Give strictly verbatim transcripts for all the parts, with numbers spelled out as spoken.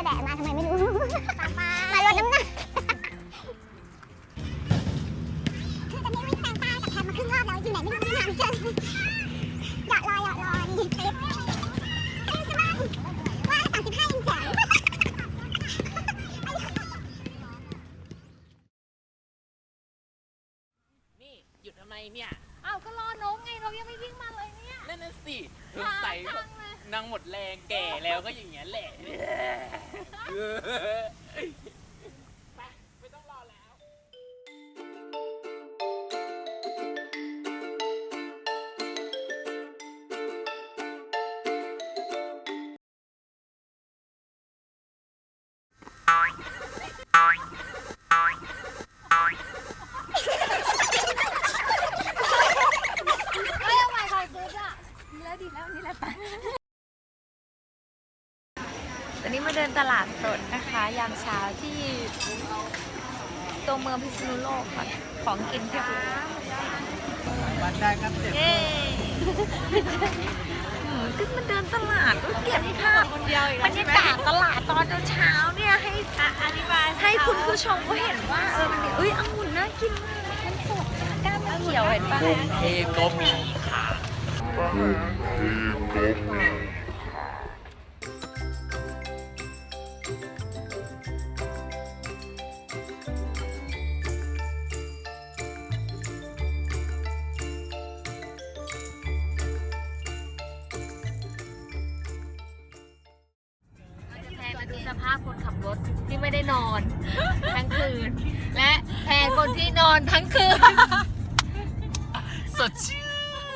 แดดมาทำไมไม่รู้มาลดน้ำหนักคือตอนนี้วิ่งแซงตากับแทนมาครึ่งรอบแล้วอยู่ไหนไม่รู้ไม่หาไม่เจอหยอดรอหยอดรอนี่คลิปเอ้ยสบายว่าสามสิบห้ายังแจ๋วนี่หยุดทำไมเนี่ยอ้าวก็รอน้องไงเรายังไม่วิ่งมาเลยเนี่ยนั่นน่ะสิสงสัยนางหมดแรงแก่แล้วก็อย่างเงี้ยแหละไปไม่ต้องรอแล้วไม่เอาใหม่ค่ะซื้อจ้ะดีแล้วดีแล้วนี่แหละไปวันนี้มาเดินตลาดสดนะคะยามเช้าที่ตัวเมืองพิษณุโลกค่ะของกินเพียบเลยบัตรได้ครับเจ็บเย้ขึ้นมาเดินตลาดก็เก็บภาพบรรยากาศตลาดตอนเช้าเนี่ยให้อธิบายให้คุณผู้ชมเขาเห็นว่าเออมันเอ้ยองุ่นน่ากินมากมันสดก้านมันเขียวเห็นปะกรุงเทพก็มีค่ะแพนมาดูสภาพคนขับรถที่ไม่ได้นอนทั้งคืน และแพนคนที่นอนทั้งคืนสดชื่น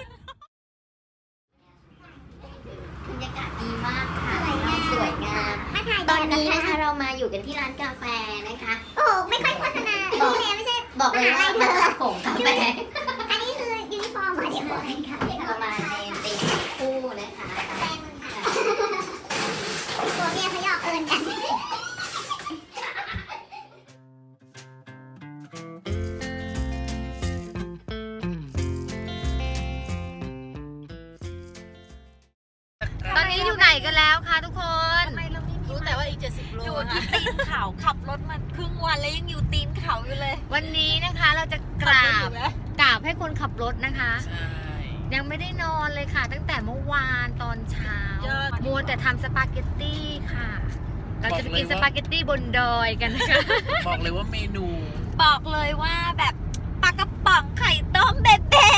บรรยากาศดีมากค่ะสวยงามตอนนี้นะคะเรามาอยู่กันที่ร้านกาแฟนะคะโอ้ไม่ค่อยโฆษณานี่เลยไม่ใช่บอกเลยว่ามาตัดผมกาแฟอันนี้คือยูนิฟอร์มเหรอเดี๋ยวก่อนค่ะเรามาในตีมคู่นะคะแฟนมึงค่ะตัวเมียเขาหยอกเอิญกันตอนนี้อยู่ไหนกันแล้วคะทุกคนรู้แต่ว่าอีกเจ็ดสิบโลอยู่ที่ตีนเขาขับรถมาครึ่งวันแล้วยังอยู่ตีนเขาอยู่เลย วันนี้นะคะเราจะกราบกราบให้คนขับรถนะคะใช่ยังไม่ได้นอนเลยค่ะ ตั้งแต่เมื่อวานตอนเช้ามัวแต่ทำสปาเกตตี้ค่ะ เราจะไปกินสปาเกตตี้บนดอยกันนะคะบอกเลยว่าเมนูบอกเลยว่าแบบปลากระป๋องไข่ต้มเบ๊ะ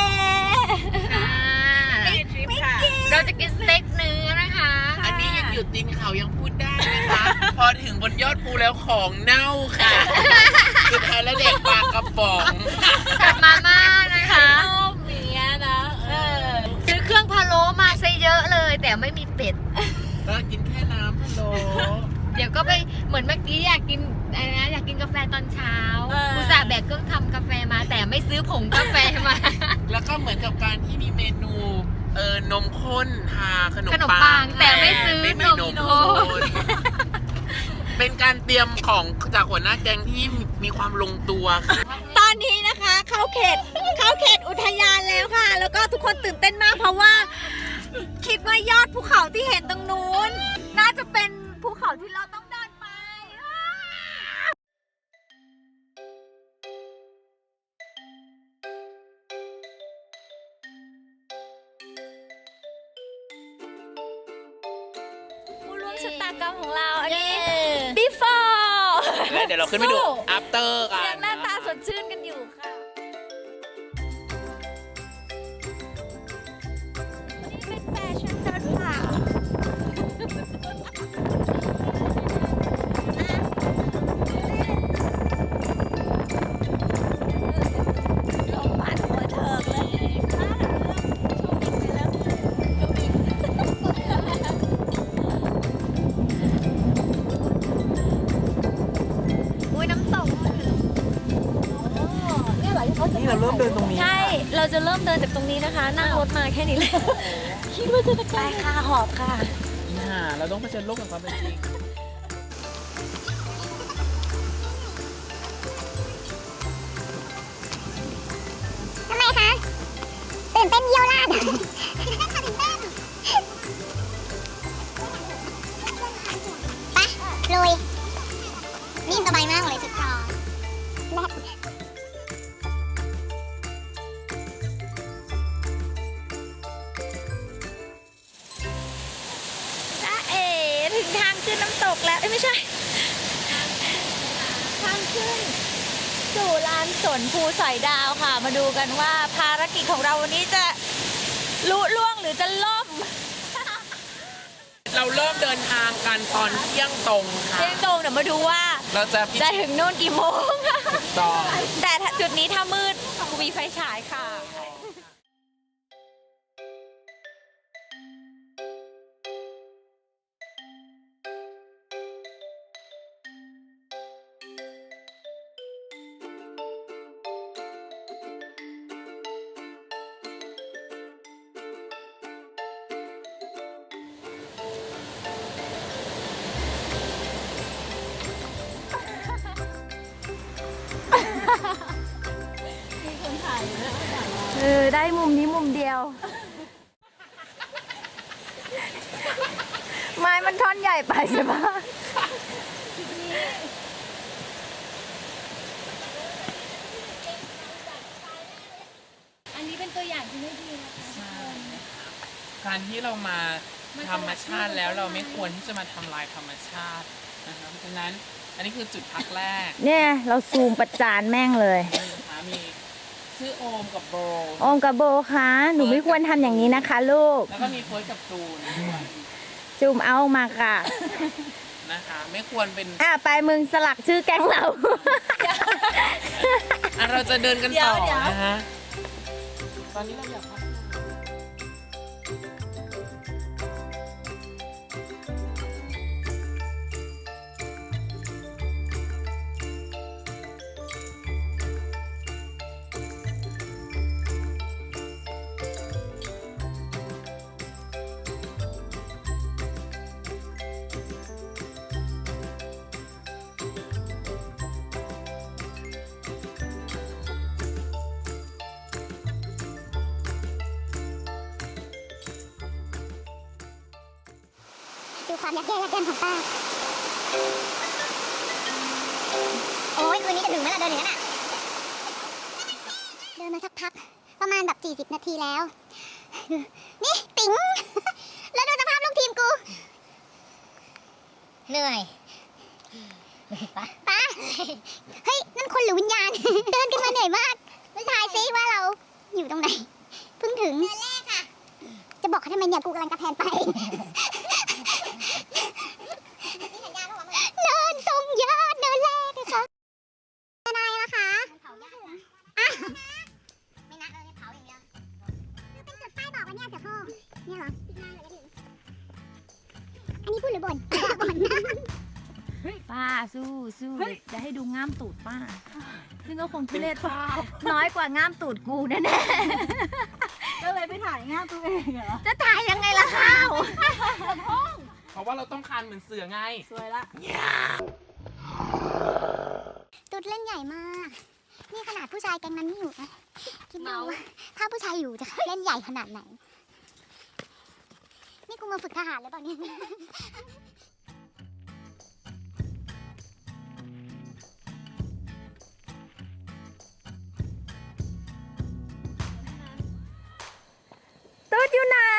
เราจะกินสเต็กเนื้อนะคะอันนี้ยังอยู่ตีนเขายังพูดได้นะคะ พอถึงบนยอดภูแล้วของเน่าค่ะสุดท้ายแล้วเด็กปลากระป๋องกับมาม่านะคะเมียนะเออซื้อเครื่องพะโล้มาซะเยอะเลย แต่ไม่มีเป็ดก็กินแค่น้ำพะโล้เดี๋ยวก็ไปเหมือนเมื่อกี้อยากกินอะไรนะอยากกินกาแฟตอนเช้าอุตส่าห์แบกเครื่องทำกาแฟมา แต่ไม่ซื้อผงกาแฟมาแล้วก็เหมือนกับการที่มีเมนูเออนมข้นทาขนมขนมปัปังงแต่ไม่ซื้อไม่มีนนมมข้ข้นนเป็นการเตรียมของจากหัวหน้าแก๊งที่มีความลงตัวตอนนี้นะคะเข้าเขตเข้าเขตอุทยานแล้วค่ะ แล้วก็ทุกคนตื่นเต้นมากเพราะว่า คิดว่ายอดภูเขาที่เห็นตรงนู้น น่าจะเป็นภูเขาที่เราต้องเดินไปผู้ร่วมชะตากรรมของเราอันนี้ before แล้วเดี๋ยวเราขึ้นไปดู after กันยังหน้าตาสดชื่นกันอยู่ค่ะเป็นแฟชั่นเดินผ่านลมพัดหัวเถิกเลยอุ้ยน้ำตกนี่เราเริ่มเดินตรงนี้ใช่ เราจะเริ่มเดินจากตรงนี้นะคะ นั่งรถมาแค่นี้เลยคิดว่าจะไปค่ะ หอบค่ะน่าเราต้องเผชิญโลกกับความเป็นจริงทำไมคะตื่นเต้นเยี่ยวราดตื่นเต้นไปลุยตกแล้วเอ้ยไม่ใช่ทางขึ้นสู่ลานสนภูสอยดาวค่ะ มาดูกันว่าภารกิจของเราวันนี้จะลุล่วงหรือจะล่มเราเริ่มเดินทางกันตอนเที่ยงตรงค่ะเที่ยงตรงเดี๋ยวมาดูว่าเราจะพิจะถึงนู่นกี่โมงถูกต้องแต่จุดนี้ถ้ามืดมีไฟฉายค่ะ เออ ได้มุมนี้มุมเดียว ไม้มันท่อนใหญ่ไปใช่ปะอันนี้เป็นตัวอย่างที่ไม่ดีนะคะการที่เรามาธรรมชาติแล้วเราไม่ควรที่จะมาทำลายธรรมชาตินะครับเพราะฉะนั้นอันนี้คือจุดพักแรกเนี่ย เราซูมประจานแม่งเลยนะคะมีชื่อโอมกับโบโอมกับโบคะหนูไม่ควรทำอย่างนี้นะคะลูกแล้วก็มีเฟิร์สกับจูนด้วยซูมเอามาค่ะนะคะ ไม่ควรเป็นอ่ะ ไปมึงสลักชื่อแก๊งเราอ่ะเราจะเดินกันต่อเดี๋ยวนะฮะตอนนี้เราอยากพักดูความยักแย่ยักเย็นของป้า โอ้ยคืนนี้จะถึงไหมล่ะเดินอย่างนั้นอ่ะ เดินมาสักพัก ประมาณแบบสี่สิบนาทีแล้ว นี่ติ๋ง แล้วดูสภาพลูกทีมกูเหนื่อยป้า เฮ้ย นั่นคนหรือวิญญาณ เดินกันมาเหนื่อยมากทายซิว่าเราอยู่ตรงไหน เพิ่งถึง เดินแรกค่ะ จะบอกเขาทำไมเนี่ยกูกำลังจะแพนไป เดินทรงยอดเดินแรกนะคะนายนะคะอ่ะไม่นัดเลยเผาอย่างเดียวเป็นจุดป้ายบอกว่าเนี่ยเสือโคร่งเนี่ยเหรออันนี้พูดหรือบ่น บ่นนะป้าสู้สู้เดี๋ยวจะให้ดูง่ามตูดป้า ซึ่งก็คงทุเรศน้อยกว่าง่ามตูดกูแน่ๆก็เลยไปถ่ายงานตัวเองเหรอจะถ่ายยังไงล่ะข้าวเพราะว่าเราต้องคานเหมือนเสือไงสวยละตุดเล่นใหญ่มาก นี่ขนาดผู้ชายแก๊งนั้นไม่อยู่นะคิดดูว่าถ้าผู้ชายอยู่จะเล่นใหญ่ขนาดไหน นี่กูมาฝึกทหารหรือเปล่าเนี่ยตูดอยู่ไหน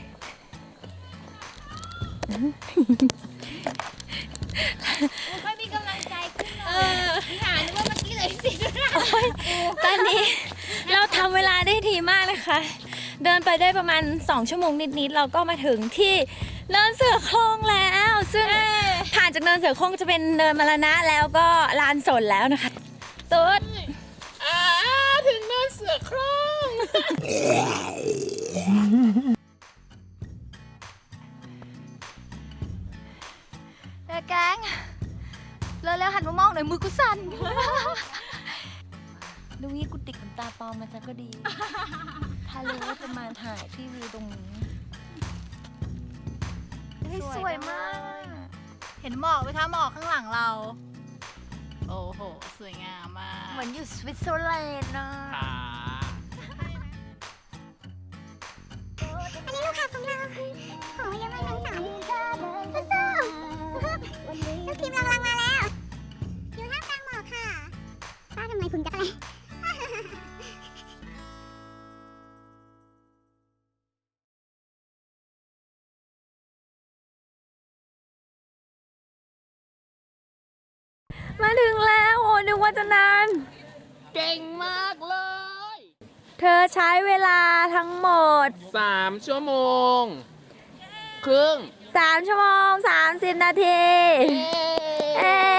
ไม่มีกำลังใจขึ้นเลยหานึกว่าเมื่อกี้เลยสิตอนนี้เราทำเวลาได้ดีมากเลยค่ะ เดินไปได้ประมาณสองชั่วโมงนิดๆเราก็มาถึงที่เนินเสือโคร่งแล้ว ซึ่งผ่านจากเนินเสือโคร่งจะเป็นเนินมรณะแล้วก็ลานสนแล้วนะคะตูดอ่าถึงเนินเสือโคร่งเด็กแก๊งเร็วๆหันมามองหน่อยมือกูสั่น ดูนี่กูติดขนตาปลอมมาซะก็ดี ถ้ารู้ว่าจะมาถ่ายที่วิวตรงนี้สวยมากเห็นหมอกไหมคะหมอกข้างหลังเรา โอ้โห สวยงามมากเหมือนอยู่สวิตเซอร์แลนด์นะค่ะอันนี้ลูกค้าของเราขอยังไม่ทั้งสามสู้ๆลูกทีมเรากำลังมาแล้ว อยู่ท่ามกลางหมอกค่ะ ป้าทำไมคุณจะอะไรมาถึงแล้วโอ้นึกว่าจะนานเก่งมากเลยเธอใช้เวลาทั้งหมดสามชั่วโมง ครึ่งสามชั่วโมงสามสิบนาที เอ้